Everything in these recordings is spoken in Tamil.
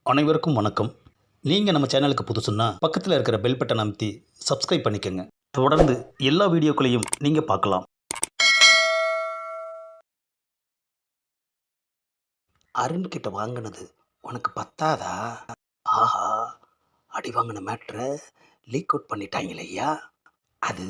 அனைவருக்கும் வணக்கம். நீங்கள் நம்ம சேனலுக்கு புதுசுன்னா பக்கத்தில் இருக்கிற பெல் பட்டன் அமைத்தி சப்ஸ்கிரைப் பண்ணிக்கோங்க. தொடர்ந்து எல்லா வீடியோக்களையும் நீங்கள் பார்க்கலாம். அருண்கிட்ட வாங்கினது உனக்கு பத்தாதா? ஆஹா, அடி வாங்கின மேட்ரை லீக் அவுட் பண்ணிட்டாங்களே ஐயா. அது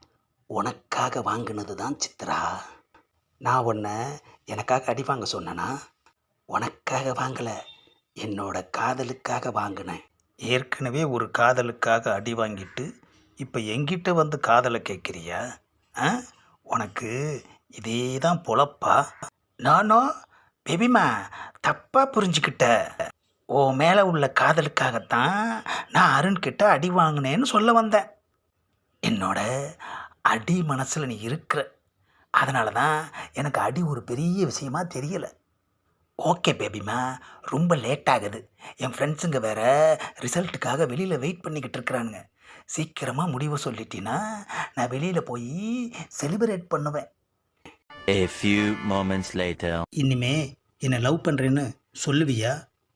உனக்காக வாங்கினது தான் சித்ரா. நான் உன்னை எனக்காக அடி வாங்க சொன்னேனா? உனக்காக வாங்கலை, என்னோட காதலுக்காக வாங்கினேன். ஏற்கனவே ஒரு காதலுக்காக அடி வாங்கிட்டு இப்போ எங்கிட்ட வந்து காதலை கேட்குறியா? ஆ, உனக்கு இதே தான் பொழப்பா? நானும் பேபிமா தப்பாக புரிஞ்சுக்கிட்ட. உன் மேலே உள்ள காதலுக்காகத்தான் நான் அருண்கிட்ட அடி வாங்கினேன்னு சொல்ல வந்தேன். என்னோட அடி மனசில் நீ இருக்கிற, அதனால தான் எனக்கு அடி ஒரு பெரிய விஷயமா தெரியலை. ஓகே பேபிமா, ரொம்ப லேட் ஆகுது. என் ஃப்ரெண்ட்ஸுங்க வேறு ரிசல்ட்டுக்காக வெளியில் வெயிட் பண்ணிக்கிட்டு இருக்கிறானுங்க. சீக்கிரமாக முடிவை சொல்லிட்டீன்னா நான் வெளியில் போய் செலிப்ரேட் பண்ணுவேன். A few moments later. இனிமே என்னை லவ் பண்ணுறேன்னு சொல்லுவியா?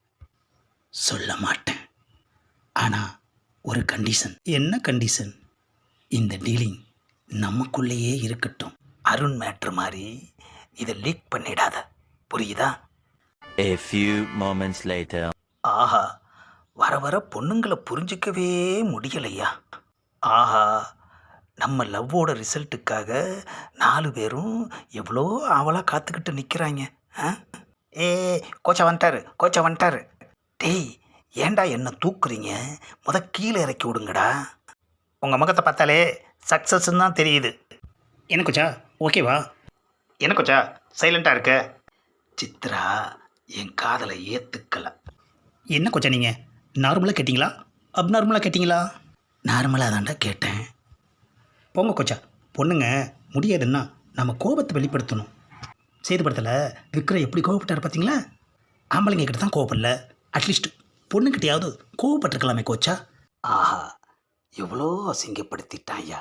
சொல்ல மாட்டேன். ஆனால் ஒரு கண்டிஷன். என்ன கண்டிஷன்? இந்த டீலிங் நமக்குள்ளேயே இருக்கட்டும். அருண் மேட்ரு மாதிரி இதை லீக் பண்ணிடாத, புரியுதா? A few moments later. ஆஹா, வர வர பொண்ணுங்களை புரிஞ்சிக்கவே முடியலையா. ஆஹா, நம்ம லவ்வோட ரிசல்ட்டுக்காக 4 பேரும் எவ்வளோ ஆவலாக காத்துக்கிட்டு நிற்கிறாங்க. ஏ, கோச்சா வந்துட்டாரு. டேய், ஏன்டா என்ன தூக்குறீங்க? கீழே இறக்கி விடுங்கடா. உங்கள் முகத்தை பார்த்தாலே சக்ஸஸ்ன்னு தான் தெரியுது. என்ன கோச்சா, ஓகேவா? என்ன கோச்சா சைலண்ட்டாக இருக்க? சித்ரா என் காதலை ஏற்றுக்கலை. என்ன கோச்சா நீங்கள் நார்மலாக கேட்டிங்களா அப்நார்மலாக கேட்டிங்களா? நார்மலாக தான்டா கேட்டேன். போங்க கோச்சா, பொண்ணுங்க முடியாதுன்னா நம்ம கோபத்தை வெளிப்படுத்தணும். சேதுபடத்தில் விக்ரம் எப்படி கோவப்பட்டார் பார்த்தீங்களா? ஆம்பளைங்க கிட்ட தான் கோவப்படல, அட்லீஸ்ட் பொண்ணுக்கிட்டையாவது கோவப்பட்டிருக்கலாமே கோச்சா. ஆஹா, எவ்வளோ அசிங்கப்படுத்திட்டான் ஐயா.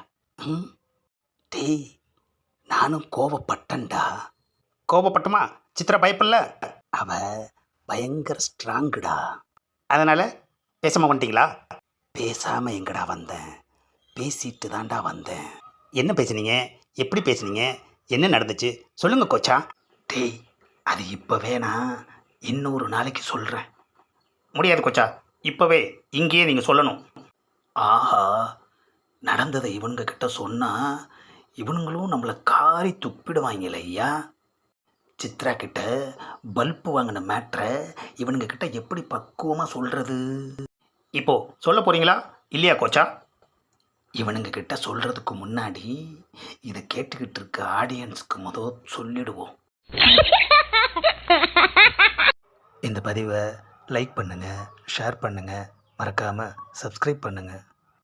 டேய், நானும் கோவப்பட்டேன்டா. கோவப்பட்டுமா? சித்ரா பயப்படல. அவ பயங்கர ஸ்ட்ராங்குடா. அதனால் பேசாமல் வந்துட்டீங்களா? பேசாமல் எங்கடா வந்தேன், பேசிட்டு தான்டா வந்தேன். என்ன பேசுனீங்க? எப்படி பேசுனீங்க? என்ன நடந்துச்சு சொல்லுங்கள் கோச்சா. டேய், அது இப்போ வேணாம், இன்னொரு நாளைக்கு சொல்கிறேன். முடியாது கோச்சா, இப்போவே இங்கேயே நீங்கள் சொல்லணும். ஆஹா, நடந்ததை இவனுங்க கிட்ட சொன்னால் இவனுங்களும் நம்மளை காரி துப்பிடுவாங்களே ஐயா. சித்ரா கிட்ட பல்பு வாங்கின மேட்ரை இவனுங்க கிட்ட எப்படி பக்குவமாக சொல்கிறது? இப்போ சொல்ல போகிறீங்களா இல்லையா கோச்சா? இவனுங்க கிட்ட சொல்கிறதுக்கு முன்னாடி இதை கேட்டுக்கிட்டு இருக்க ஆடியன்ஸுக்கு சொல்லிடுவோம். இந்த பதிவை லைக் பண்ணுங்கள், ஷேர் பண்ணுங்கள், மறக்காமல் சப்ஸ்கிரைப் பண்ணுங்கள்.